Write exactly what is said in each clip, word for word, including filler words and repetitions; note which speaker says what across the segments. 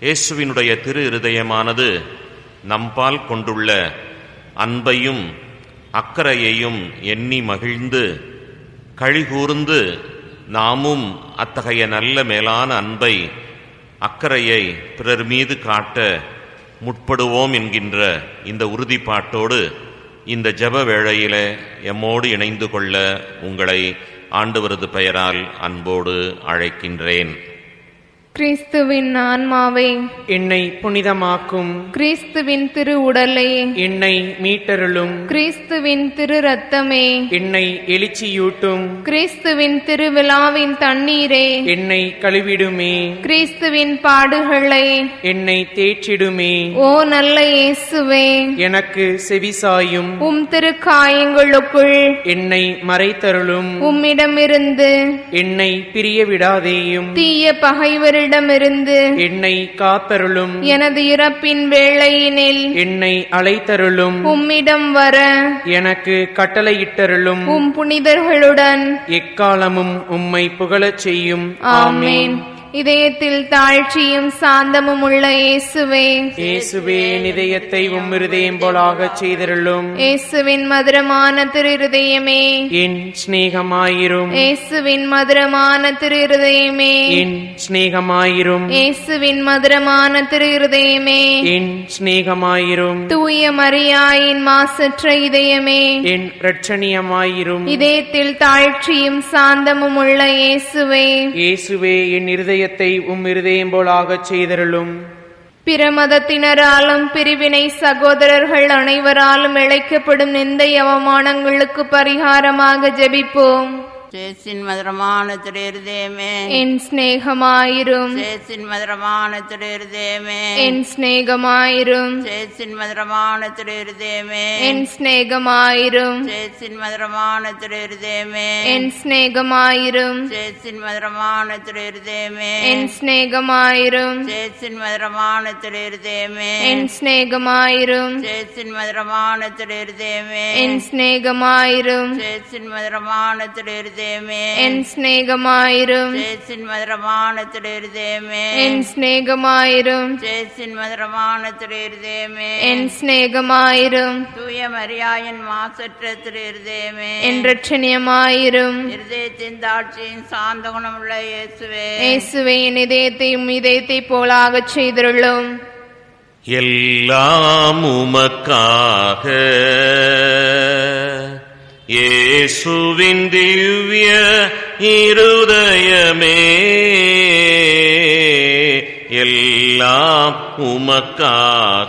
Speaker 1: இயேசுவினுடைய திரு இருதயமானது நம்பால் கொண்டுள்ள அன்பையும் அக்கறையையும் எண்ணி மகிழ்ந்து கழிகூர்ந்து நாமும் அத்தகைய நல்ல மேலான அன்பை அக்கறையை பிறர் மீது காட்ட முற்படுவோம் என்கின்ற இந்த உறுதிப்பாட்டோடு இந்த ஜெப வேளையிலே எம்மோடு இணைந்து கொள்ள உங்களை ஆண்டவரது பெயரால் அன்போடு அழைக்கின்றேன்.
Speaker 2: கிறிஸ்துவின் ஆன்மாவே
Speaker 3: என்னை புனிதமாக்கும்.
Speaker 2: கிறிஸ்துவின் திரு உடலே
Speaker 3: என்னை மீட்டருளும்.
Speaker 2: கிறிஸ்துவின் திரு ரத்தமே
Speaker 3: என்னை எழுச்சியூட்டும்.
Speaker 2: கிறிஸ்துவின் திருவிழாவின் தண்ணீரே
Speaker 3: என்னை கழுவிடுமே.
Speaker 2: கிறிஸ்துவின் பாடுகளை
Speaker 3: என்னை தேற்றிடுமே.
Speaker 2: ஓ நல்ல இயேசுவே,
Speaker 3: எனக்கு செவிசாயும்.
Speaker 2: உம் திருக்காயங்களுக்குள்
Speaker 3: என்னை மறைத்தருளும்.
Speaker 2: உம்மிடமிருந்து
Speaker 3: என்னை பிரிய விடாதேயும்.
Speaker 2: தீய பகைவரிடமிருந்து
Speaker 3: என்னை காத்தருளும்.
Speaker 2: எனது இறப்பின் வேளையினில்
Speaker 3: என்னை அழைத்தருளும்.
Speaker 2: உம்மிடம் வர
Speaker 3: எனக்கு கட்டளையிட்டருளும்.
Speaker 2: உம் புனிதர்களுடன்
Speaker 3: எக்காலமும் உம்மை புகழச் செய்யும்.
Speaker 2: ஆமேன். இதயத்தில் தாழ்ச்சியும் சாந்தமும் உள்ள இயேசுவே,
Speaker 3: இயேசுவே இதயத்தை உம் இருதயம் போலாகச் செய்தருளும்.
Speaker 2: இயேசுவின் மதுரமான திரு இருதயமே
Speaker 3: என் சிநேகமாயிரும்.
Speaker 2: இயேசுவின் மதுரமான திரு இருதயமே
Speaker 3: என் சிநேகமாயிரும்.
Speaker 2: இயேசுவின் மதுரமான திரு இருதயமே
Speaker 3: என் சிநேகமாயிரும்.
Speaker 2: தூய மரியாயின் மாசற்ற இதயமே
Speaker 3: என் இரட்சணியமாயிரும்.
Speaker 2: இதயத்தில் தாழ்ச்சியும் சாந்தமும் உள்ள இயேசுவே,
Speaker 3: இயேசுவே என் இருதயத்தை உம் இருதயம் போலாகச் செய்தருளும்.
Speaker 2: பிற மதத்தினராலும் பிரிவினை சகோதரர்கள் அனைவராலும் இழைக்கப்படும் நிந்தை அவமானங்களுக்கு பரிகாரமாக ஜெபிப்போம்.
Speaker 4: சேசின் மதுரமான திரு இருதயமே
Speaker 2: என் சிநேகமாயிரும்.
Speaker 4: சேசின் மதுரமான திரு இருதயமே
Speaker 2: என் சிநேகமாயிரும்.
Speaker 4: சேசின் மதுரமான திரு இருதயமே
Speaker 2: என் சிநேகமாயிரும்.
Speaker 4: சேசின் மதுரமான திரு இருதயமே
Speaker 2: என் சிநேகமாயிரும்.
Speaker 4: சேசின் மதுரமான திரு இருதயமே
Speaker 2: என் சிநேகமாயிரும்.
Speaker 4: சேசின் மதுரமான திரு இருதயமே
Speaker 2: என் சிநேகமாயிரும்.
Speaker 4: சேசின் மதுரமான திரு இருதயமே
Speaker 2: என் சிநேகமாயிரும்.
Speaker 4: சேசின் மதுரமான திரு இருதயமே
Speaker 2: என் சிநேகமாயிரும்.
Speaker 4: சேசின் மதுரமான திரு இருதயமே
Speaker 2: என் சிநேகமாயிரும்.
Speaker 4: சேசின் மதுரமான திரு இருதயமே
Speaker 2: என் சிநேகமாயிரும்.
Speaker 4: தூய மரியாயின் மாசற்ற திரு இருதயமே
Speaker 2: என் இரட்சணியமாயிரும்.
Speaker 4: இருதயத்தின் தாட்சியின் சாந்த குணமுள்ள இயேசுவே,
Speaker 2: இயேசுவே என் இதயத்தையும் இதயத்தை போலாகச் செய்தருளும்.
Speaker 1: எல்லாம் உமக்காக இயேசுவின் திவ்ய இருதயமே, எல்லாம் உமக்காக.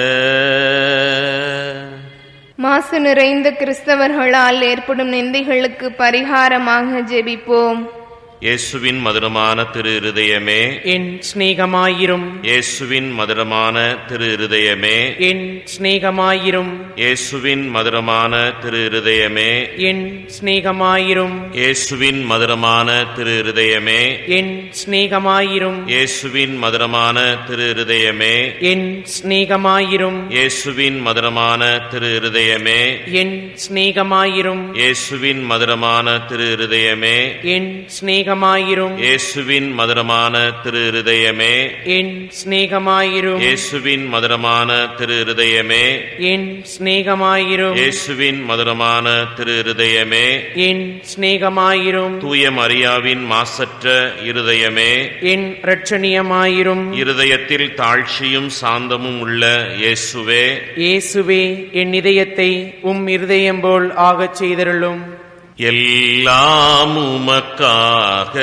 Speaker 2: மாசு நிறைந்த கிறிஸ்தவர்களால் ஏற்படும் நிந்தைகளுக்கு பரிகாரமாக ஜெபிப்போம்.
Speaker 1: இயேசுவின் மதுரமான திரு இருதயமே
Speaker 3: என் சிநேகமாயிரும்.
Speaker 1: இயேசுவின் மதுரமான திரு இருதயமே
Speaker 3: என் சிநேகமாயிரும்.
Speaker 1: இயேசுவின் மதுரமான திரு இருதயமே
Speaker 3: என் சிநேகமாயிரும்.
Speaker 1: இயேசுவின் மதுரமான திரு இருதயமே
Speaker 3: என் சிநேகமாயிரும்.
Speaker 1: இயேசுவின் மதுரமான திரு இருதயமே
Speaker 3: என் சிநேகமாயிரும்.
Speaker 1: இயேசுவின் மதுரமான திரு இருதயமே
Speaker 3: என் சிநேகமாயிரும்.
Speaker 1: இயேசுவின் மதுரமான திரு இருதயமே
Speaker 3: என் சிநேகமாயிரும்.
Speaker 1: இயேசுவின் மதுரமான திரு இருதயமே
Speaker 3: என் சிநேகமாயிரும்.
Speaker 1: இயேசுவின் மதுரமான திரு இருதயமே
Speaker 3: என் சிநேகமாயிரும்.
Speaker 1: இயேசுவின் மதுரமான திரு இருதயமே
Speaker 3: என் சிநேகமாயிரும்.
Speaker 1: தூய மரியாவின் மாசற்ற இருதயமே
Speaker 3: என் இரட்சணியமாயிரும்.
Speaker 1: இருதயத்தில் தாழ்ச்சியும் சாந்தமும் உள்ள இயேசுவே,
Speaker 3: இயேசுவே என் இதயத்தை உம் இருதயம் போல் ஆகச் செய்தருளும்.
Speaker 1: எல்லாம் உமக்காக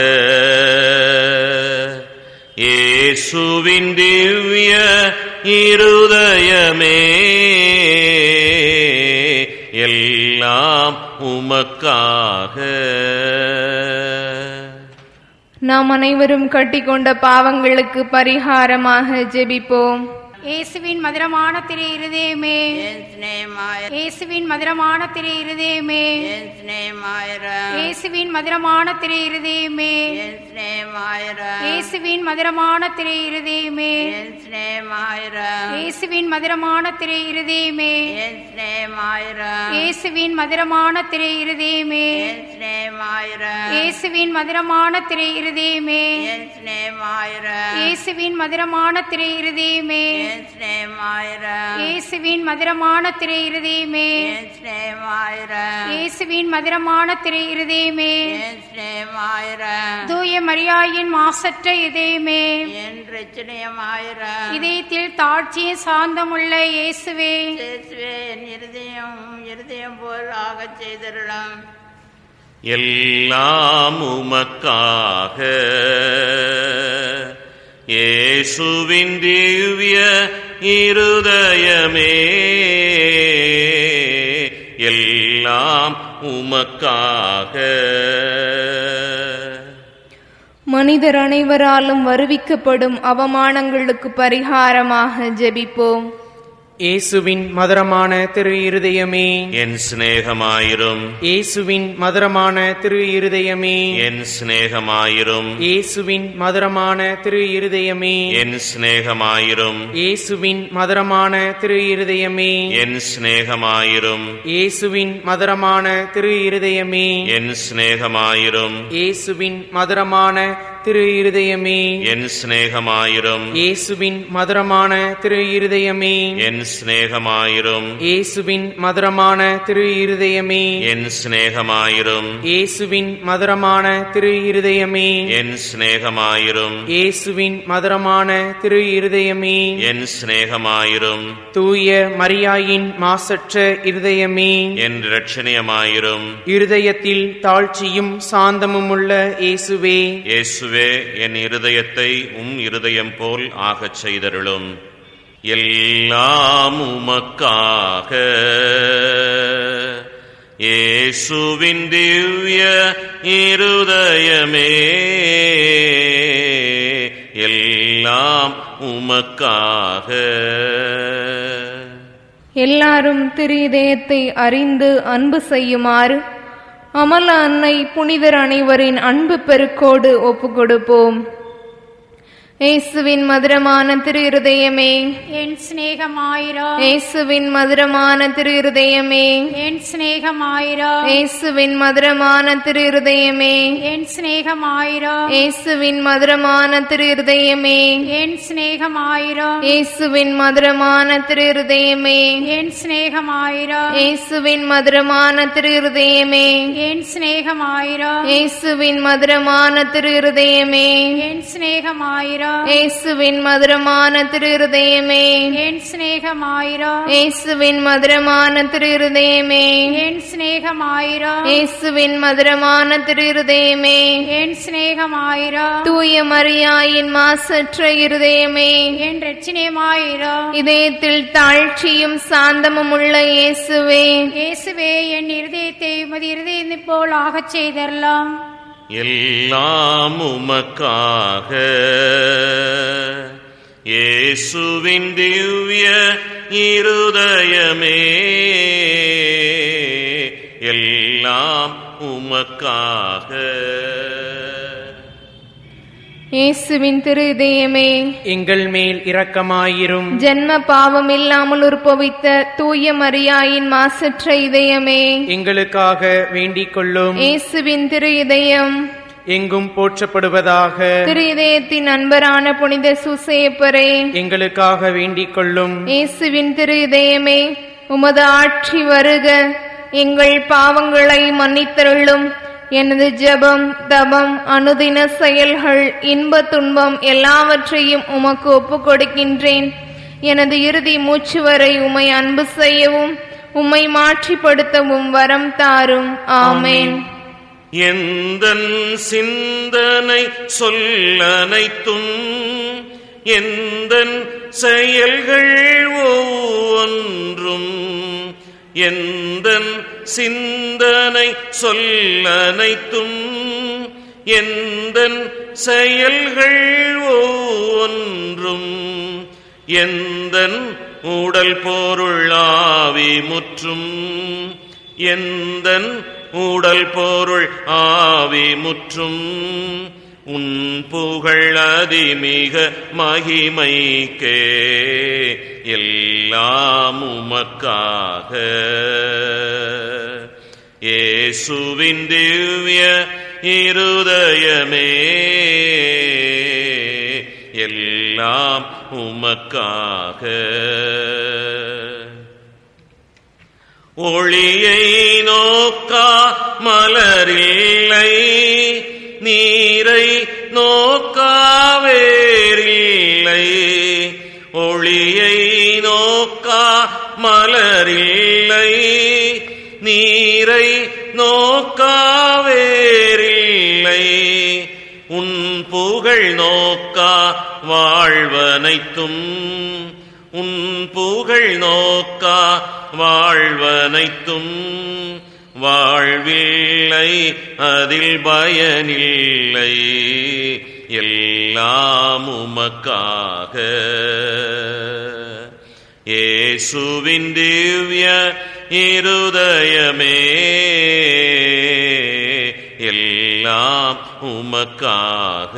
Speaker 1: இயேசுவின் திவ்ய இருதயமே, எல்லாம் உமக்காக.
Speaker 2: நாம் அனைவரும் கட்டிக்கொண்ட பாவங்களுக்கு பரிகாரமாக ஜெபிப்போம்.
Speaker 5: இயேசுவின் மதுரமான திரு இருதயமே
Speaker 4: என் சிநேகமாயிர
Speaker 5: இயேசுவின் மதுரமான திரு இருதயமே
Speaker 4: என் சிநேகமாயிர
Speaker 5: இயேசுவின் மதுரமான திரு இருதயமே
Speaker 4: என் சிநேகமாயிர
Speaker 5: இயேசுவின் மதுரமான திரு இருதயமே
Speaker 4: என் சிநேகமாயிர
Speaker 5: இயேசுவின் மதுரமான திரு இருதயமே
Speaker 4: என் சிநேகமாயிர
Speaker 5: இயேசுவின் மதுரமான திரு இருதயமே
Speaker 4: என் சிநேகமாயிர
Speaker 5: இயேசுவின் மதுரமான திரு இருதயமே
Speaker 4: என் சிநேகமாயிர
Speaker 5: இயேசுவின் மதுரமான திரு இருதயமே
Speaker 4: என் சிநேகமாயிர
Speaker 5: இயேசுவின் மதுரமான திரு இருதயமே
Speaker 4: என் சிநேகமாயிர
Speaker 5: இயேசுவின் மதுரமான திரு இருதயமே
Speaker 4: என் சிநேகமாயிர
Speaker 5: தூய மரியாயின் மாசற்ற இதயமே
Speaker 4: என் ரட்சணியமாயிர
Speaker 5: இதயத்தில் தாழ்ச்சியும் சாந்தமுள்ள இயேசுவே
Speaker 4: இயேசுவே என் இருதயம் இருதயம் போல் ஆகச் செய்திருளும்.
Speaker 1: எல்லாம் உமக்காக இயேசுவின் திவ்ய இருதயமே எல்லாம் உமக்காக.
Speaker 2: மனிதர் அனைவராலும் வருவிக்கப்படும் அவமானங்களுக்கு பரிகாரமாக ஜெபிப்போம்.
Speaker 3: இயேசுவின் மதுரமான திரு இருதயமே
Speaker 1: என் சிநேகமாயிரும்,
Speaker 3: இயேசுவின் மதுரமான திரு இருதயமே
Speaker 1: என் சிநேகமாயிரும்,
Speaker 3: இயேசுவின் மதுரமான திரு இருதயமே
Speaker 1: என் சிநேகமாயிரும்,
Speaker 3: இயேசுவின் மதுரமான திரு இருதயமே
Speaker 1: என் சிநேகமாயிரும்,
Speaker 3: இயேசுவின் மதுரமான திரு இருதயமே
Speaker 1: என் சிநேகமாயிரும்,
Speaker 3: இயேசுவின் மதுரமான திரு இருதயமே
Speaker 1: என் சிநேகமாயிரும்,
Speaker 3: இயேசுவின் மதுரமான திரு இருதயமே
Speaker 1: என் சிநேகமாயிரும்,
Speaker 3: இயேசுவின் மதுரமான திரு இருதயமே
Speaker 1: என் சிநேகமாயிரும்,
Speaker 3: இயேசுவின் மதுரமான திரு இருதயமே
Speaker 1: என் சிநேகமாயிரும்,
Speaker 3: இயேசுவின் மதுரமான திரு இருதயமே
Speaker 1: என் சிநேகமாயிரும்,
Speaker 3: தூய மரியாயின் மாசற்ற இருதயமே
Speaker 1: என் இரட்சணியமாயிரும்.
Speaker 3: இருதயத்தில் தாழ்ச்சியும் சாந்தமும் உள்ள இயேசுவே
Speaker 1: இயேசுவே, என் இருதயத்தை உம் இருதயம் போல் ஆகச் செய்தருளும். எல்லாம் உமக்காக இயேசுவின் திவ்ய இருதயமே எல்லாம் உமக்காக.
Speaker 2: எல்லாரும் திரு இதயத்தை அறிந்து அன்பு செய்யுமாறு அமல அன்னை புனிதர் அனைவரின் அன்பு பெருக்கோடு ஒப்பு கொடுப்போம். இயேசுவின் மதுரமான திரு இருதயமே
Speaker 5: என் சிநேகமாயிரா
Speaker 2: இயேசுவின் மதுரமான திரு இருதயமே
Speaker 5: என் சிநேகமாயிரா
Speaker 2: இயேசுவின் மதுரமான திரு இருதயமே
Speaker 5: என் சிநேகமாயிரா
Speaker 2: இயேசுவின் மதுரமான திரு இருதயமே
Speaker 5: என் சிநேகமாயிரா
Speaker 2: இயேசுவின் மதுரமான திரு இருதயமே
Speaker 5: என் சிநேகமாயிரா
Speaker 2: இயேசுவின் மதுரமான திரு இருதயமே
Speaker 5: என் சிநேகமாயிரா
Speaker 2: இயேசுவின் மதுரமான திரு இருதயமே
Speaker 5: என் சிநேகமாயிரா
Speaker 2: இயேசுவின் மதுரமான திரு இருதயமே
Speaker 5: என் சிநேகமாயிரா
Speaker 2: இயேசுவின் மதுரமான திரு இருதயமே
Speaker 5: என் சிநேகமாயிரா
Speaker 2: இயேசுவின் மதுரமான திரு இருதயமே
Speaker 5: என் சிநேகமாயிரா
Speaker 2: தூய மரியாயின் மாசற்ற இருதயமே
Speaker 5: என் ரட்சணியமாயிரா
Speaker 2: இதயத்தில் தாழ்ச்சியும் சாந்தமும் உள்ள இயேசுவே
Speaker 5: இயேசுவே என் இருதயத்தை உமது இருதயத்தை போல் ஆகச் செய்தரலாம்.
Speaker 1: எல்லாம் உமக்காக இயேசுவின் திவ்ய இருதயமே எல்லாம் உமக்காக.
Speaker 2: இயேசுவின் திரு இதயமே
Speaker 3: எங்கள் மேல் இரக்கமாயிரும்.
Speaker 2: ஜென்ம பாவம் இல்லாமல் உற்பவித்த தூய மரியாயின் மாசற்ற இதயமே
Speaker 3: எங்களுக்காக வேண்டிக் கொள்ளும்.
Speaker 2: இயேசுவின் திரு இதயம்
Speaker 3: எங்கும் போற்றப்படுவதாக.
Speaker 2: திரு இதயத்தின் அன்பரான புனித சூசையப்பரே
Speaker 3: எங்களுக்காக வேண்டிக் கொள்ளும்.
Speaker 2: இயேசுவின் திரு இதயமே உமது ஆட்சி வருக, எங்கள் பாவங்களை மன்னித்தருளும். எனது ஜெபம் தபம் அனுதின செயல்கள் இன்ப துன்பம் எல்லாவற்றையும் உமக்கு ஒப்புக் கொடுக்கின்றேன். எனது இறுதி மூச்சு வரை உம்மை அன்பு செய்யவும் உம்மை மாற்றிப்படுத்தவும் வரம் தாரும். ஆமேன்.
Speaker 1: எந்தன் சிந்தனை சொல்லனைத்தும் எந்தன் செயல்கள் ஒவ்வொன்றும் எந்தன் சிந்தனை சொல்லனைத்தும் எந்தன் செயல்கள் ஒவ்வொன்றும் எந்தன் உடல் பொருள் ஆவி முற்றும் எந்தன் உடல் பொருள் ஆவி முற்றும் உன் புகழ் அதிமிக மகிமைக்கே எல்லாம் உமக்காக. இயேசுவின் திவ்ய இருதயமே எல்லாம் உமக்காக. ஒளியை நோக்கா மலரில்லை நீரை நோக்கா வேறில்லை. ஒளியை நோக்கா மலரில்லை நீரை நோக்கா வேறில்லை. உன் புகழ் நோக்கா வாழ்வனைத்தும் உன் புகழ் நோக்கா வாழ்வனைத்தும் வாழ்வில்லை அதில் பயனில்லை எல்லாம் உமக்காக. இயேசுவின் திவ்ய இருதயமே எல்லாம் உமக்காக.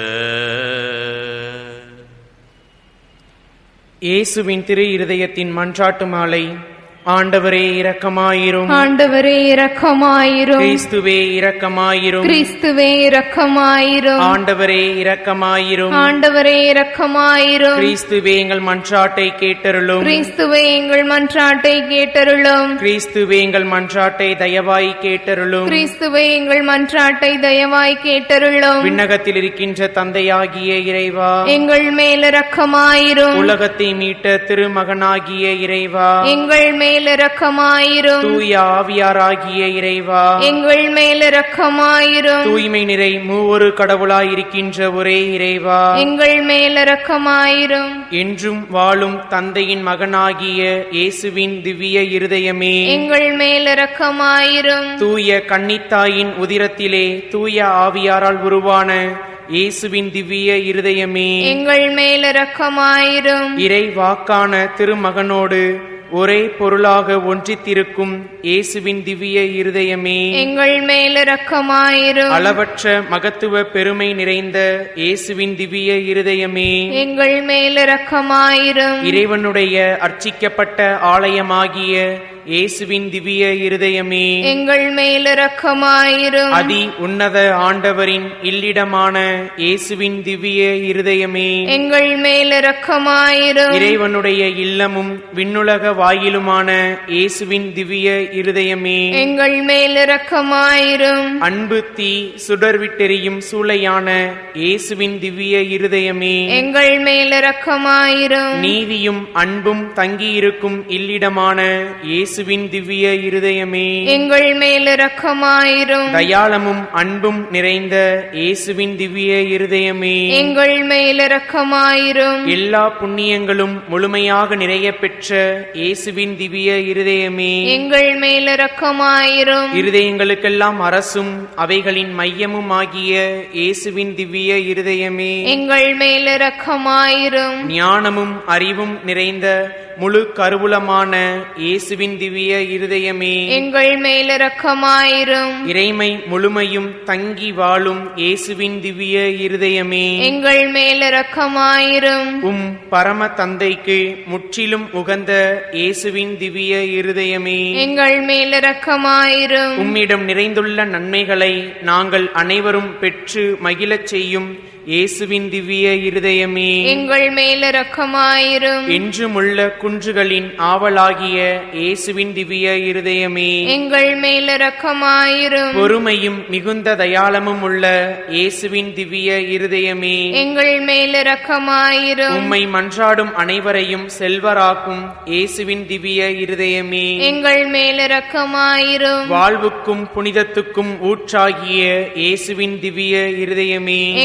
Speaker 3: இயேசுவின் திரு இருதயத்தின் மன்றாட்டு மாலை. ஆண்டவரே இரக்கமாயிரும்.
Speaker 2: ஆண்டவரே இரக்கமாயிரும்.
Speaker 3: கிறிஸ்துவே இரக்கமாயிரும்.
Speaker 2: கிறிஸ்துவே இரக்கமாயிரும்.
Speaker 3: ஆண்டவரே இரக்கமாயிரும்.
Speaker 2: ஆண்டவரே இரக்கமாயிரும்.
Speaker 3: கிறிஸ்துவே எங்கள் மன்றாட்டை கேட்டருளும்.
Speaker 2: கிறிஸ்துவே எங்கள் மன்றாட்டை கேட்டருளும்.
Speaker 3: கிறிஸ்துவே எங்கள் மன்றாட்டை தயவாய் கேட்டருளும்.
Speaker 2: கிறிஸ்துவே எங்கள் மன்றாட்டை தயவாய் கேட்டருளும்.
Speaker 3: விண்ணகத்தில் இருக்கின்ற தந்தையாகிய இறைவா,
Speaker 2: எங்கள் மேல் இரக்கமாயிரும்.
Speaker 3: உலகத்தை மீட்ட திருமகனாகிய இறைவா,
Speaker 2: எங்கள் மேல் இரக்கமாயிரும்.
Speaker 3: தூய ஆவியாராகிய இறைவா,
Speaker 2: எங்கள் மேல் இரக்கமாயிரும்.
Speaker 3: தூய்மை நிறை மூவொரு கடவுளாயிருக்கின்ற ஒரே இறைவா,
Speaker 2: எங்கள் மேல் இரக்கமாயிரும்.
Speaker 3: என்றும் வாழும் தந்தையின் மகனாகிய இயேசுவின் திவ்ய இருதயமே,
Speaker 2: எங்கள் மேல் இரக்கமாயிரும்.
Speaker 3: தூய கன்னித்தாயின் உதிரத்திலே தூய ஆவியாரால் உருவான இயேசுவின் திவ்ய இருதயமே,
Speaker 2: எங்கள் மேல் இரக்கமாயிரும்.
Speaker 3: இறை வாக்கான திருமகனோடு ஒரே பொருளாக ஒன்றித்திருக்கும் இயேசுவின் திவ்ய இருதயமே,
Speaker 2: எங்கள் மேல் இரக்கமாயிரும்.
Speaker 3: அளவற்ற மகத்துவ பெருமை நிறைந்த இயேசுவின் திவ்ய இருதயமே,
Speaker 2: எங்கள் மேல் இரக்கமாயிரும்.
Speaker 3: இறைவனுடைய அர்ச்சிக்கப்பட்ட ஆலயமாகிய இயேசுவின் திவ்ய இருதயமே,
Speaker 2: எங்கள் மேல் இரக்கமாயிரும்.
Speaker 3: அதி உன்னத ஆண்டவரின் இல்லிடமான இயேசுவின் திவ்ய இருதயமே,
Speaker 2: எங்கள் மேல் இரக்கமாயிரும்.
Speaker 3: இறைவனுடைய இல்லமும் விண்ணுலக வாயிலுமான இயேசுவின் திவ்ய இருதயமே,
Speaker 2: எங்கள் மேல் இரக்கமாயிரும்.
Speaker 3: அன்பு தீ சுடர்விட்டெரியும் சூளையான இயேசுவின் திவ்ய இருதயமே,
Speaker 2: எங்கள் மேல் இரக்கமாயிரும்.
Speaker 3: நீதியும் அன்பும் தங்கியிருக்கும் இல்லிடமான இயேசுவின் திவ்ய இருதயமே,
Speaker 2: எங்கள் மேல் இரக்கமாயிரும்.
Speaker 3: தயாளமும் அன்பும் நிறைந்த இயேசுவின் திவ்ய இருதயமே,
Speaker 2: எங்கள் மேல் இரக்கமாயிரும்.
Speaker 3: எல்லா புண்ணியங்களும் முழுமையாக நிறைய பெற்ற இயேசுவின் திவ்ய இருதயமே,
Speaker 2: எங்கள் மேல் இரக்கமாயிரும்.
Speaker 3: இருதயங்களுக்கெல்லாம் அரசும் அவைகளின் மையமும் ஆகிய இயேசுவின் திவ்ய இருதயமே,
Speaker 2: எங்கள் மேல் இரக்கமாயிரும்.
Speaker 3: ஞானமும் அறிவும் நிறைந்த முழு கருவூலமான இயேசுவின் திவ்ய இருதயமே,
Speaker 2: எங்கள் மேல் இரக்கமாயிரும்.
Speaker 3: இறைமை முழுமையும் தங்கி வாழும் இயேசுவின் திவ்ய இருதயமே,
Speaker 2: எங்கள் மேல் இரக்கமாயிரும்.
Speaker 3: உம் பரம தந்தைக்கு முற்றிலும் உகந்த இயேசுவின் திவ்ய இருதயமே,
Speaker 2: எங்கள் மேல் இரக்கமாயிரும்.
Speaker 3: உம்மிடம் நிறைந்துள்ள நன்மைகளை நாங்கள் அனைவரும் பெற்று மகிழச் செய்யும் இயேசுவின் திவ்ய இருதயமே,
Speaker 2: எங்கள் மேல் இரக்கமாயிரும்.
Speaker 3: என்றுமுள்ள குன்றுகளின் ஆவலாகிய இயேசுவின் திவ்ய இருதயமே,
Speaker 2: எங்கள் மேல் இரக்கமாயிரும்.
Speaker 3: பொறுமையும் மிகுந்த தயாளமும் உள்ள இயேசுவின் திவ்ய இருதயமே,
Speaker 2: எங்கள் மேல் இரக்கமாயிரும்.
Speaker 3: உம்மை மன்றாடும் அனைவரையும் செல்வராக்கும் இயேசுவின் திவ்ய இருதயமே,
Speaker 2: எங்கள் மேல் இரக்கமாயிரும்.
Speaker 3: வாழ்வுக்கும் புனிதத்துக்கும் ஊற்றாகிய இயேசுவின் திவ்ய இருதயமே,
Speaker 2: எங்கள்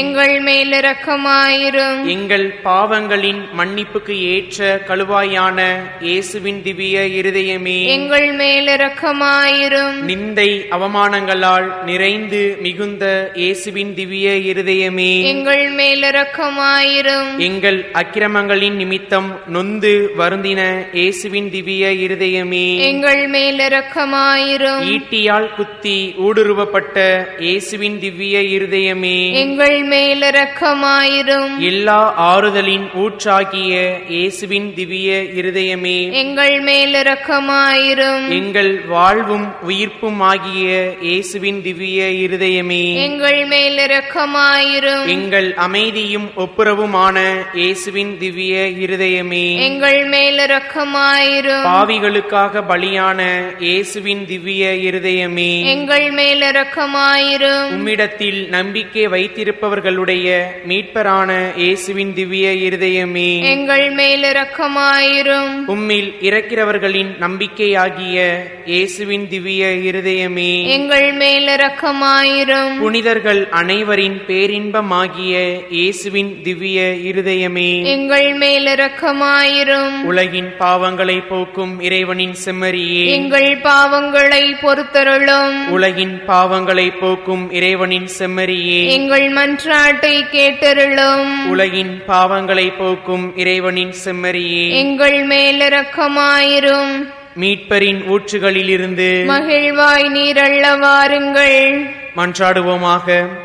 Speaker 2: மேல் இரக்கமாயிரும்.
Speaker 3: எங்கள் பாவங்களின் மன்னிப்புக்கு ஏற்ற கழுவாயான இயேசுவின் திவ்ய இருதயமே,
Speaker 2: எங்கள் மேல் இரக்கமாயிரும்.
Speaker 3: நிந்தை அவமானங்களால் நிறைந்து மிகுந்த இயேசுவின் திவ்ய இருதயமே,
Speaker 2: எங்கள் மேல் இரக்கமாயிரும்.
Speaker 3: எங்கள் அக்கிரமங்களின் நிமித்தம் நொந்து வருந்தின இயேசுவின் திவ்ய இருதயமே,
Speaker 2: எங்கள் மேல் இரக்கமாயிரும்.
Speaker 3: ஈட்டியால் குத்தி ஊடுருவப்பட்ட இயேசுவின் திவ்ய இருதயமே,
Speaker 2: எங்கள் மேல் இரக்கமாயிரும்.
Speaker 3: எல்லா ஆறுதலின் ஊற்றாகிய இயேசுவின் திவ்ய இருதயமே,
Speaker 2: எங்கள் மேல் இரக்கமாயிரும்.
Speaker 3: எங்கள் வாழ்வும் உயிர்ப்பும் ஆகிய இயேசுவின் திவ்ய இருதயமே,
Speaker 2: எங்கள் மேல் இரக்கமாயிரும்.
Speaker 3: எங்கள் அமைதியும் ஒப்புரவுமான இயேசுவின் திவ்ய இருதயமே,
Speaker 2: எங்கள் மேல் இரக்கமாயிரும்.
Speaker 3: பாவிகளுக்காக பலியான இயேசுவின் திவ்ய இருதயமே,
Speaker 2: எங்கள் மேல் இரக்கமாயிரும்.
Speaker 3: உம்மிடத்தில் நம்பிக்கை வைத்திருப்பவர்களுடைய மீட்பரான இயேசுவின் திவ்ய இருதயமே,
Speaker 2: எங்கள் மேல் இரக்கமாயிரும்.
Speaker 3: உம்மில் இறக்கிறவர்களின் நம்பிக்கையாகிய இயேசுவின் திவ்ய இருதயமே,
Speaker 2: எங்கள் மேல் இரக்கமாயிரும்.
Speaker 3: புனிதர்கள் அனைவரின் பேரின்பமாகிய இயேசுவின் திவ்ய இருதயமே,
Speaker 2: எங்கள் மேல் இரக்கமாயிரும்.
Speaker 3: உலகின் பாவங்களை போக்கும் இறைவனின் செம்மறியே,
Speaker 2: எங்கள் பாவங்களை பொறுத்தருளும்.
Speaker 3: உலகின் பாவங்களை போக்கும் இறைவனின் செம்மறியே,
Speaker 2: எங்கள் மன்றாட்டை கேட்டருளும்.
Speaker 3: உலகின் பாவங்களை போக்கும் இறைவனின் செம்மறியே,
Speaker 2: எங்கள் மேல் இரக்கமாயிரும்.
Speaker 3: மீட்பரின் ஊற்றுகளிலிருந்து
Speaker 2: மகிழ்வாய் நீரள்ள வாருங்கள்.
Speaker 3: மன்றாடுவோமாக.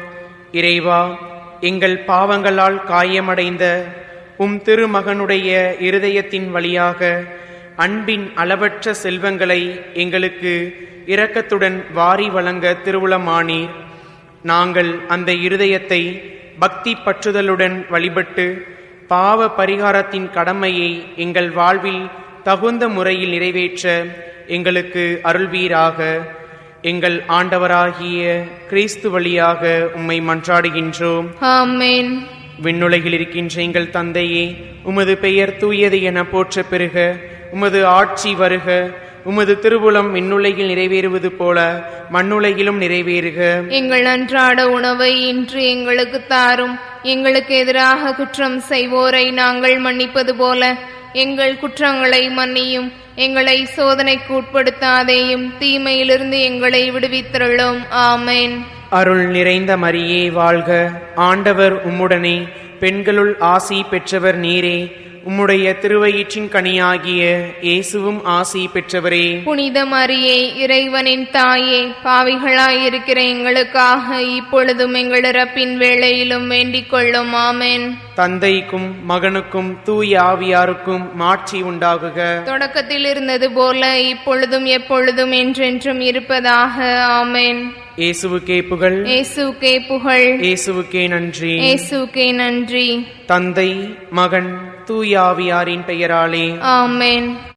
Speaker 3: இறைவா, எங்கள் பாவங்களால் காயமடைந்த உம் திருமகனுடைய இருதயத்தின் வழியாக அன்பின் அளவற்ற செல்வங்களை எங்களுக்கு இரக்கத்துடன் வாரி வழங்க திருவுளமானீர். நாங்கள் அந்த இருதயத்தை பக்தி பற்றுதலுடன் வழிபட்டு பாவ பரிகாரத்தின் கடமையை எங்கள் வாழ்வில் தகுந்த முறையில் நிறைவேற்ற எங்களுக்கு அருள்வீராக. எங்கள் ஆண்டவராகிய கிறிஸ்து வழியாக உம்மை மன்றாடுகின்றோம்.
Speaker 2: ஆமென்.
Speaker 3: விண்ணுலகில் இருக்கின்ற எங்கள் தந்தையே, உமது பெயர் தூயது என போற்ற பெறுக. உமது ஆட்சி வருக. உமது திருவுளம் விண்ணுலகில் நிறைவேறுவது போல மண்ணுலகிலும் நிறைவேறுக.
Speaker 2: எங்கள் அன்றாட உணவை இன்று எங்களுக்கு தாரும். எங்களுக்கு எதிராக குற்றம் செய்வோரை நாங்கள் மன்னிப்பது போல எங்கள் குற்றங்களை மன்னியும். எங்களை சோதனைக்கு உட்படுத்தாதேயும், தீமையிலிருந்து எங்களை விடுவித்தருளும். ஆமென்.
Speaker 3: அருள் நிறைந்த மரியே வாழ்க. ஆண்டவர் உம்முடனே, பெண்களுள் ஆசி பெற்றவர் நீரே. உம்முடைய திருவயிற்றின் கனியாகிய இயேசுவும் ஆசி பெற்றவரே.
Speaker 2: புனித மரியே, இறைவனின் தாயே, பாவிகளாயிருக்கிற எங்களுக்காக இப்பொழுதும் எங்கள் இறப்பின் வேளையிலும் வேண்டிக் கொள்ளும். ஆமென்.
Speaker 3: தந்தைக்கும் மகனுக்கும் தூய ஆவியாருக்கும் மாட்சி உண்டாகுக.
Speaker 2: தொடக்கத்தில் இருந்தது போல இப்பொழுதும் எப்பொழுதும் என்றென்றும் இருப்பதாக. ஆமென்.
Speaker 3: இயேசுவுக்கே புகழ்.
Speaker 2: இயேசுவுக்கே புகழ்.
Speaker 3: இயேசுவுக்கே நன்றி.
Speaker 2: இயேசுவுக்கே நன்றி.
Speaker 3: தந்தை, மகன், தூய ஆவியாரின் பெயராலே.
Speaker 2: ஆமென்.